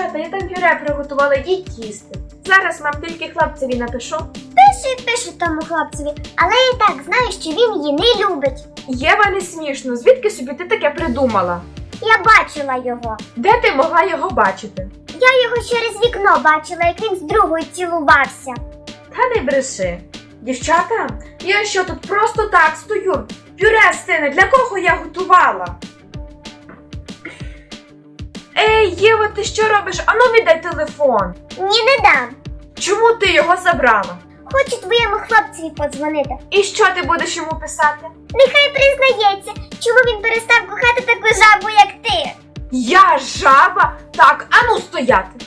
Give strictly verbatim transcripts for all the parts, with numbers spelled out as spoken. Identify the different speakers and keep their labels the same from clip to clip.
Speaker 1: Дівчата, я там пюре приготувала, їдь їсти. Зараз мам тільки хлопцеві напишу.
Speaker 2: Пиши, пиши тому хлопцеві, але я і так знаю, що він її не любить.
Speaker 1: Єва, не смішно, звідки собі ти таке придумала?
Speaker 2: Я бачила його.
Speaker 1: Де ти могла його бачити?
Speaker 2: Я його через вікно бачила, як він з другою цілувався.
Speaker 1: Та не бреши. Дівчата, я що тут просто так стою? Пюре стине, для кого я готувала? Ей, Єва, ти що робиш? Ану віддай телефон.
Speaker 2: Ні, не дам.
Speaker 1: Чому ти його забрала?
Speaker 2: Хочу твоєму хлопцеві подзвонити.
Speaker 1: І що ти будеш йому писати?
Speaker 2: Нехай признається, чому він перестав кохати таку жабу, як ти.
Speaker 1: Я жаба? Так, ану стояти.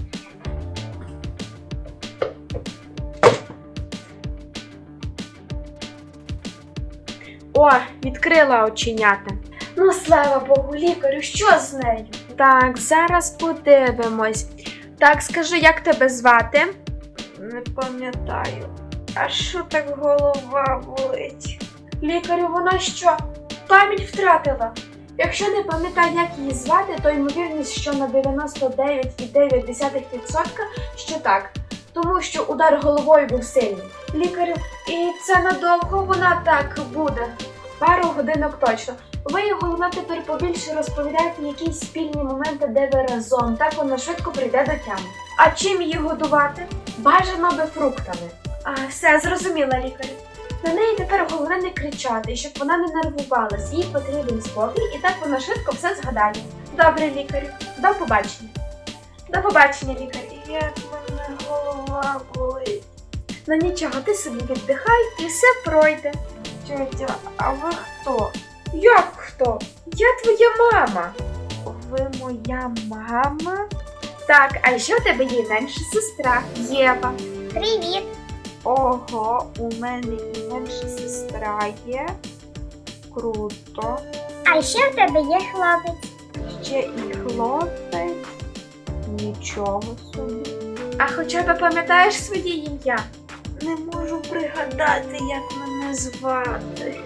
Speaker 1: О, відкрила оченята. Ну, слава Богу, лікарю, що з нею? Так, зараз подивимось. Так, скажи, як тебе звати? Не пам'ятаю. А що так голова болить? Лікарю, вона що? Пам'ять втратила. Якщо не пам'ятає, як її звати, то ймовірність, що на дев'яносто дев'ять цілих дев'ять десятих відсотка, що так. Тому що удар головою був сильний. Лікарю, і це надовго вона так буде? Пару годинок точно. Ви, головне, тепер побільше розповідаєте якісь спільні моменти, де ви разом. Так вона швидко прийде до тями. А чим її годувати? Бажано би фруктами. А, все, зрозуміла, лікарю. На неї тепер головне не кричати, щоб вона не нервувалась. Їй потрібен спокій, і так вона швидко все згадає. Добре, лікарю. До побачення. До побачення, лікарю. Як мене голова болить. Ну нічого, ти собі віддихай і все пройде. Тьотя, а ви хто? Як хто? Я твоя мама. Ви моя мама? Так, а ще в тебе є менша сестра Єва.
Speaker 2: Привіт.
Speaker 1: Ого, у мене і менша сестра є. Круто.
Speaker 2: А ще в тебе є хлопець.
Speaker 1: Ще і хлопець. Нічого собі. А хоча б пам'ятаєш своє ім'я? Не можу пригадати, як мене звати.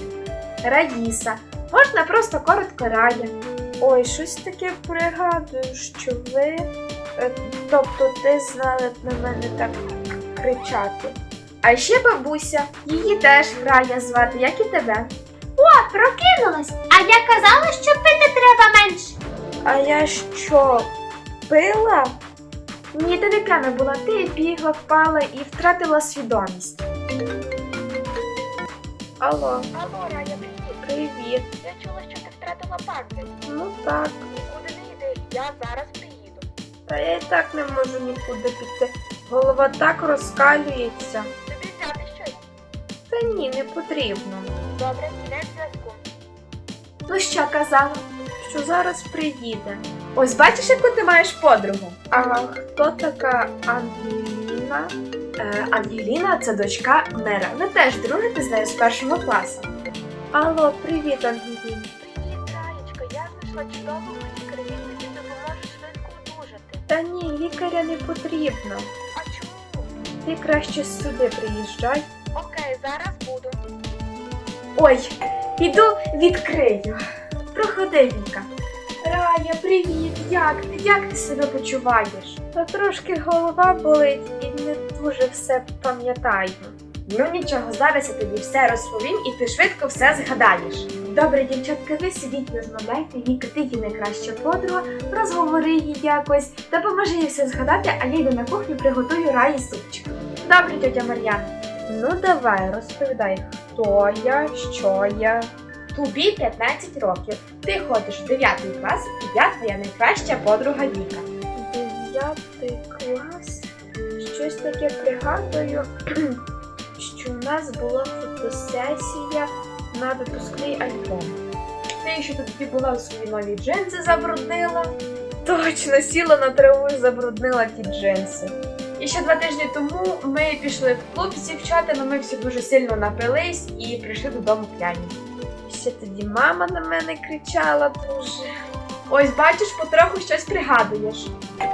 Speaker 1: Раїса. Можна просто коротко Рая. Ой, щось таке пригадую, що ви... е, Тобто ти знали б на мене так кричати. А ще бабуся. Її теж Рая звати, як і тебе.
Speaker 2: О, прокинулась. А я казала, що пити треба менше.
Speaker 1: А я що, пила? Ні, ти не п'яна була, ти бігла, впала і втратила свідомість. Алло.
Speaker 3: Алло, Рая, привіт.
Speaker 1: Привіт.
Speaker 3: Я чула, що ти втратила пам'ять.
Speaker 1: Ну так.
Speaker 3: Нікуди не йди, я зараз приїду.
Speaker 1: Та я і так не можу нікуди піти. Голова так розкалюється.
Speaker 3: Тобі взяти щось?
Speaker 1: Та ні, не потрібно.
Speaker 3: Добре, не в зв'язку.
Speaker 1: Ну що казала? Що зараз приїде. Ось бачиш, яку ти маєш подругу? А хто така Ангеліна? Е, Ангеліна – це дочка мера. Ви теж дружите з нею з першого класу. Алло, привіт, Ангеліна.
Speaker 3: Привіт, Раєчка, я знайшла чудового лікаря, він тобі допоможе швидко одужати.
Speaker 1: Та ні, лікаря не потрібно.
Speaker 3: А чому?
Speaker 1: Ти краще сюди приїжджай.
Speaker 3: Окей, зараз буду.
Speaker 1: Ой, піду відкрию. Проходи, Віка. Рая, привіт! Як ти? Як ти себе почуваєш? Та трошки голова болить і не дуже все пам'ятаю. Ну нічого, зараз я тобі все розповім і ти швидко все згадаєш. Добре, дівчатка, ви сидіть, розмовляйте, Віка, ти її найкраща подруга, розговори її якось, допоможи їй все згадати, а я йду на кухню, приготую Раї супчик. Добре, тьотя Мар'яна. Ну давай, розповідай, хто я, що я. Тобі п'ятнадцять років. Ти ходиш в дев'ятий клас, і я твоя найкраща подруга Віка. Дев'ятий клас? Щось таке пригадую, що у нас була фотосесія на випускний альбом. Ти ще тоді була в свої нові джинси забруднила. Точно, сіла на траву і забруднила ті джинси. І ще два тижні тому ми пішли в клуб з дівчатами, ми всі дуже сильно напились і прийшли додому п'яні. Ще тоді мама на мене кричала дуже. Ось бачиш, потроху щось пригадуєш.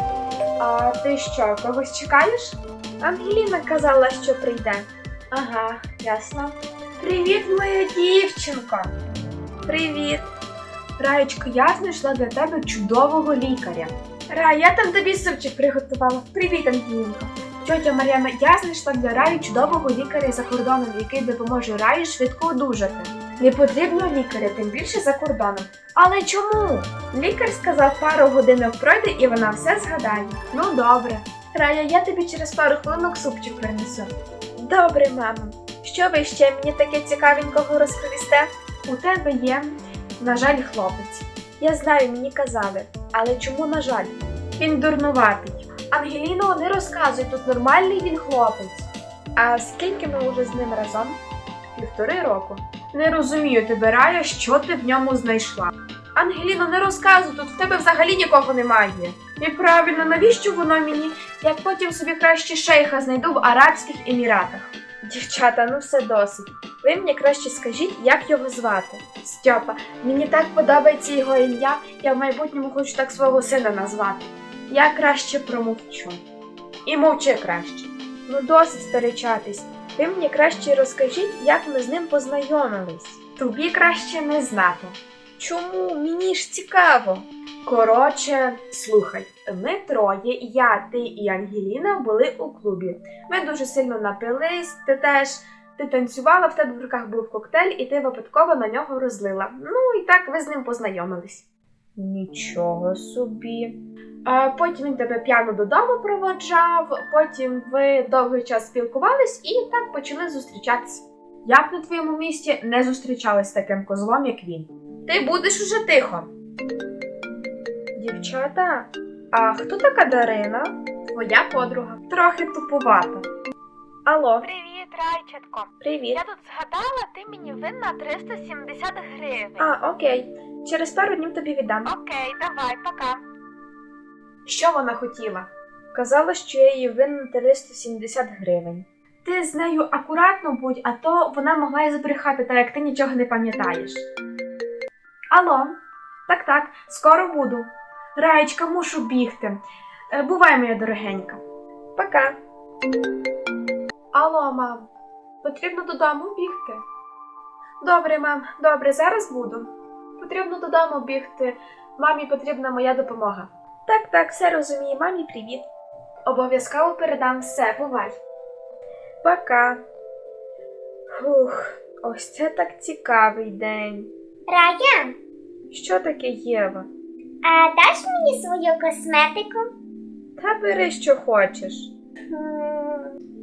Speaker 1: А ти що, когось чекаєш? Ангеліна казала, що прийде. Ага, ясно. Привіт, моя дівчинко. Привіт. Раєчко, я знайшла для тебе чудового лікаря. Рая, я там тобі супчик приготувала. Привіт, Ангелінко. Тьотя Мар'яна, я знайшла для Раї чудового лікаря за кордоном, який допоможе Раї швидко одужати. Не потрібно лікаря, тим більше за кордоном. Але чому? Лікар сказав, пару годинок пройде і вона все згадає. Ну добре. Рая, я тобі через пару хвилинок супчик принесу. Добре, мамо. Що ви ще мені таке цікавенького розповісте? У тебе є, на жаль, хлопець. Я знаю, мені казали. Але чому, на жаль? Він дурнуватий. Ангеліно, не розказуй, тут нормальний він хлопець. А скільки ми вже з ним разом? Півтори року. Не розумію тебе, Рая, що ти в ньому знайшла. Ангеліно, не розказуй, тут в тебе взагалі нікого немає. І правильно, навіщо воно мені, як потім собі краще шейха знайду в Арабських Еміратах? Дівчата, ну все досить. Ви мені краще скажіть, як його звати. Стьопа, мені так подобається його ім'я, я в майбутньому хочу так свого сина назвати. Я краще промовчу. І мовчи краще. Ну досить сперечатись. Ви мені краще розкажіть, як ми з ним познайомились. Тобі краще не знати. Чому? Мені ж цікаво. Коротше, слухай, ми троє, я, ти і Ангеліна були у клубі. Ми дуже сильно напились, ти теж, ти танцювала, в тебе в руках був коктейль, і ти випадково на нього розлила. Ну і так ви з ним познайомились. Нічого собі. А потім він тебе п'яно додому проводжав, потім ви довгий час спілкувались і так почали зустрічатися. Я б на твоєму місці не зустрічалась з таким козлом, як він. Ти будеш уже тихо. Дівчата, а хто така Дарина? Твоя подруга. Трохи туповата. Алло,
Speaker 3: Привіт, Райчатко.
Speaker 1: привіт.
Speaker 3: Я тут згадала, ти мені винна триста сімдесят гривень.
Speaker 1: А, окей. Через пару днів тобі віддам.
Speaker 3: Окей, давай, пока.
Speaker 1: Що вона хотіла? Казала, що я їй винна триста сімдесят гривень. Ти з нею акуратно будь, а то вона могла й збрехати, так як ти нічого не пам'ятаєш. Алло, так-так, скоро буду. Раєчка, мушу бігти. Е, Бувай, моя дорогенька. Пока. Алло, мам, потрібно додому бігти? Добре, мам, добре, зараз буду. Потрібно додому бігти, мамі потрібна моя допомога. Так, так, все розумію, мамі привіт. Обов'язково передам все, бувай. Пока. Фух, ось це так цікавий день.
Speaker 2: Рая,
Speaker 1: Що таке, Єва?
Speaker 2: а даш мені свою косметику?
Speaker 1: Та бери, що хочеш.
Speaker 2: М,